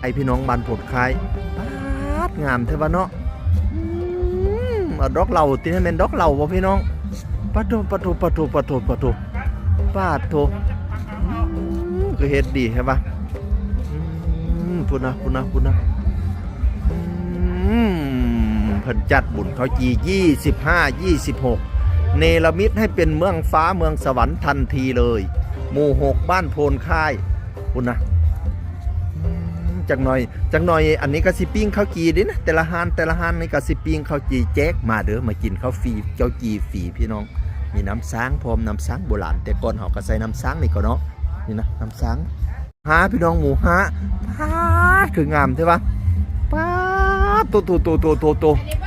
พี่น้องบ้านผลคายปาดงามเทวะเนาะดอกเหล่าตีให้เป็นดอกเหล่าบ่พี่น้องปะโถปะโถปะโถปะโถปะโถปาดโถก็เฮ็ดดีใช่ปะพูดนะเพิ่นจัดบุญเขาจี25 26เนรมิตให้เป็นเมืองฟ้าเมืองสวรรค์ทันทีเลยหมู่6บ้านโพนค่ายพูดนะจักหน่อยอันนี้ก็สิปิ้งข้าวจีดินะแต่ละฮานนี่ก็สิปิ้งข้าวจีแจ๊กมาเด้อมากินข้าวฟรีเจ้าจีฟรีพี่น้องมีน้ำช้างพร้อมน้ำช้างโบราณแต่ก่อนเฮาก็ใส่น้ำช้างนี่ก็เนาะนี่นะน้ำช้างหาพี่น้องหมูหาพาคืองามใช่ปะป้าโต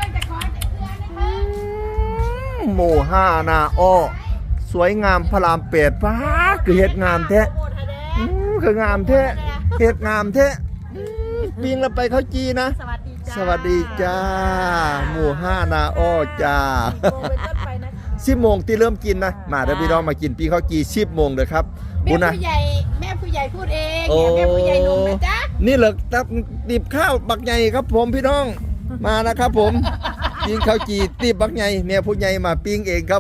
หมูห้านาอ้อสวยงามพระราม8ป้าคือเฮ็ดงามแท้คืองามแท้เฮ็ดงามแท้ปิ้งแล้วไปข้าวจีนะสวัสดีจ้าหมู่5นาอ้อจ้า10 โมงที่เริ่มกินนะมาเดี๋ยวพี่น้องมากินปิ้งข้าวจี10 โมงเด้อครับแม่ผู้ใหญ่พูดเองแม่ผู้ใหญ่ลงนะจ๊ะนี่เหรอตับติบข้าวบักใหญ่ครับผมพี่น้องมานะครับผมปิ้งข้าวจีติบบักใหญ่แม่ผู้ใหญ่มาปิ้งเองครับ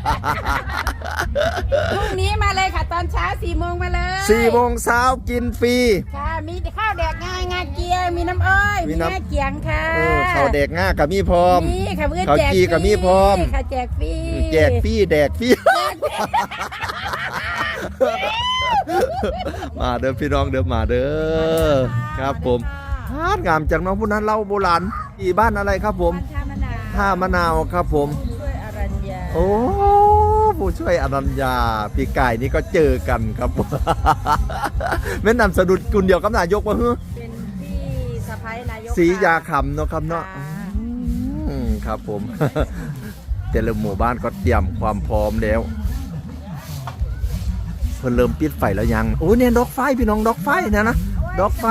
พรุ่งนี้มาเลยค่ะตอนเช้า4 โมงมาเลย 4 โมงเช้ากินฟรีค่ะมีข้าวแดกง่ายงาเกียมีน้ำอ้อยมีงาเกียงค่ะข้าวแดกง่ากับมีพร้อมนี่ค่ะเพื่อนแจกฟรีกับมีพร้อมค่ะแจกฟรีแดกฟรีมาเด้อพี่น้องเด้อมาเด้อครับผมงามจากน้องผู้นั้นเล่าโบราณที่บ้านอะไรครับผมท่ามะนาวครับผมโอ้ผู้ช่วยอรัญญาพี่ไก่นี่ก็เจอกันครับแม่นำสะดุดกุลเดียวกับนายกวะเฮ้อเป็นพี่สะพ้ายนายกศรียาคำเนาะครับเนาะครับผมแต่ละหมู่บ้านก็เตรียมความพร้อมแล้วเพิ่นเริ่มปิดไฟแล้วยังโอ้เนี่ยดอกไฟพี่น้องดอกไฟเนี่ยนะดอกไฟ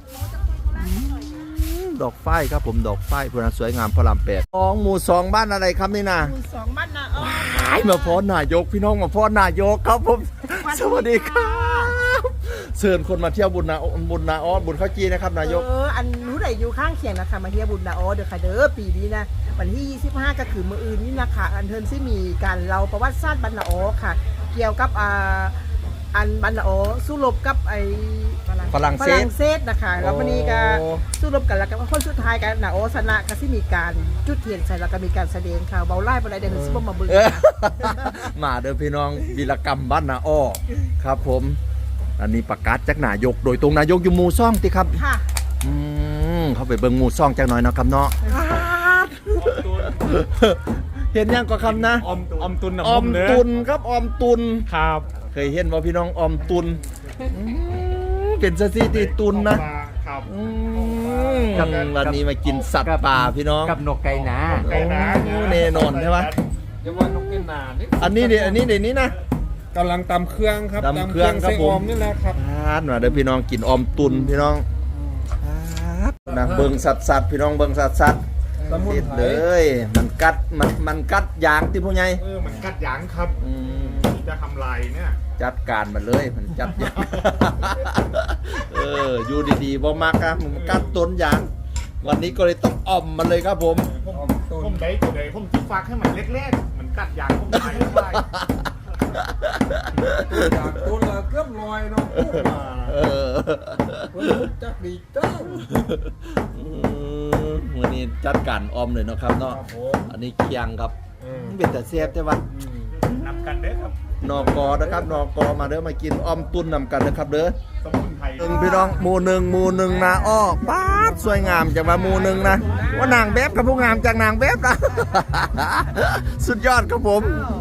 ครับผมดอกไฟพนันสวยงามพระราม8หมู่2บ้านอะไรครับนี่นะหมู่2บ้านนาอ้อมาพอนายกพี่น้องมาพอนายกครับผมสวัสดีครับเชิญคนมาเที่ยวบุญนาอ้อบุญข้าวจีนะครับนายกอันรู้ได้อยู่ข้างเคียงนะคะมาเที่ยวบุญนาอ้อเด้อค่ะเด้อปีนี้นะวันที่25ก็คือมื้ออื่นนี่นะคะอันเทินที่มีการเล่าประวัติศาสตร์บ้านนาอ้อค่ะเกี่ยวกับอันบ้านนาอ้อสู้รบกับไอ้ฝรั่งเศสนะคะแล้ววันนี้ก็สู้รบกันแล้วก็คนสุดท้ายกันนาอ้อชนะก็ที่มีการจุดเทียนใส่แล้วก็มีการแสดงค่ะเบาไล่บ่ได้เดี๋ยวสิบ่มาเบิ่งมาเด้อพี่น้องวีรกรรมบ้านนาอ้อครับผมอันนี้ประกาศจากนายกโดยตรงนายกอยู่หมู่2ติครับค่ะเข้าไปเบิ่งหมู่2จักหน่อยนะครับเนาะเห็นยังก็คำนะอมตุนครับออมตุนครับเคยเห็นว่าพี่น้องออมตุนเป็นสถิติตุนนะครับวันนี้มากินสัตว์ป่าพี่น้องกับนกไก่นาแน่นอนใช่ไหมอย่าว่านกไก่นาอันนี้เดี๋ยวนี้นะกำลังตำเครื่องครับตำเครื่องครับผมนี่แหละครับมาเดี๋ยวพี่น้องกินออมตุนพี่น้องนะเบิ่งสัตว์พี่น้องเบิ่งสัตว์เด็ดเลยมันกัดยางที่ผู้ใหญ่มันกัดยางครับจะทำลายเนี่ยจัดการมันเลยมันจัดยางอยู่ดีๆบ่มักครับมันกัดต้นยางวันนี้ก็เลยต้องออมมันเลยครับผมได้ตัวใดผมจิฟักให้มันเล็กๆมันกัดยางผมไปจากตัวละเกือบ100เนาะจักดีตั้งวันนี้จัดการออมเลยเนาะครับเนาะอันนี้เคียงครับเป็นแต่เสียบใช่ปะนำกันเด้อครับนกนะครับนกมาเด้อมากินออมตุนนำกันนะครับเด้อสมุนไพรพี่น้องหมู่หนึ่งนาอ้อป๊าดสวยงามจากมาหมู่หนึ่งนะว่านางแบบกับผู้งามจากนางแบบนะสุดยอดครับผม